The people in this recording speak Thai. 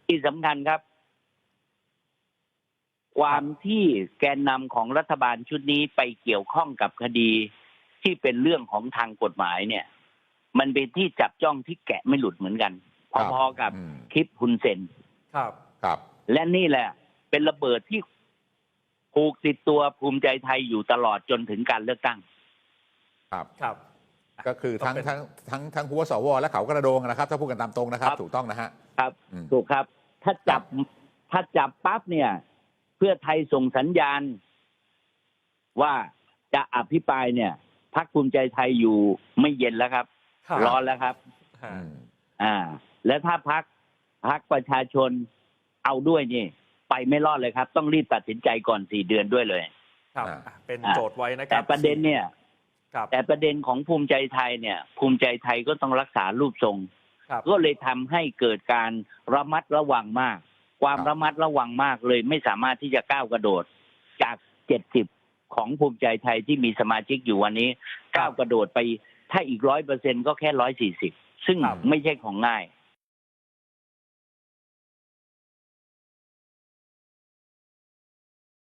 ที่สำคัญครับ ความที่แกนนำของรัฐบาลชุดนี้ไปเกี่ยวข้องกับคดีที่เป็นเรื่องของทางกฎหมายเนี่ย มันเป็นที่จับจ้องที่แกะไม่หลุดเหมือนกันพอๆกับคลิปฮุนเซนครับและนี่แหละเป็นระเบิดที่ผูกติดตัวภูมิใจไทยอยู่ตลอดจนถึงการเลือกตั้งครับก็คือทั้งหัวสวและเขากระโดงนะครับถ้าพูดกันตามตรงนะครับถูกต้องนะฮะครับถูกครับถ้าจับปั๊บเนี่ยเพื่อไทยส่งสัญญาณว่าจะอภิปรายเนี่ยพรรคภูมิใจไทยอยู่ไม่เย็นแล้วครับร้อนแล้วครับและถ้าพรรคประชาชนเอาด้วยนี่ไปไม่รอดเลยครับต้องรีบตัดสินใจก่อน4 เดือนด้วยเลยครับเป็นโจทย์ไว้นะครับแต่ประเด็นเนี่ยแต่ประเด็นของภูมิใจไทยเนี่ยภูมิใจไทยก็ต้องรักษารูปทรงก็เลยทำให้เกิดการระมัดระวังมากความระมัดระวังมากเลยไม่สามารถที่จะก้าวกระโดดจาก70ของภูมิใจไทยที่มีสมาชิกอยู่วันนี้ก้าวกระโดดไปถ้าอีก100%ก็แค่140ซึ่งไม่ใช่ของง่าย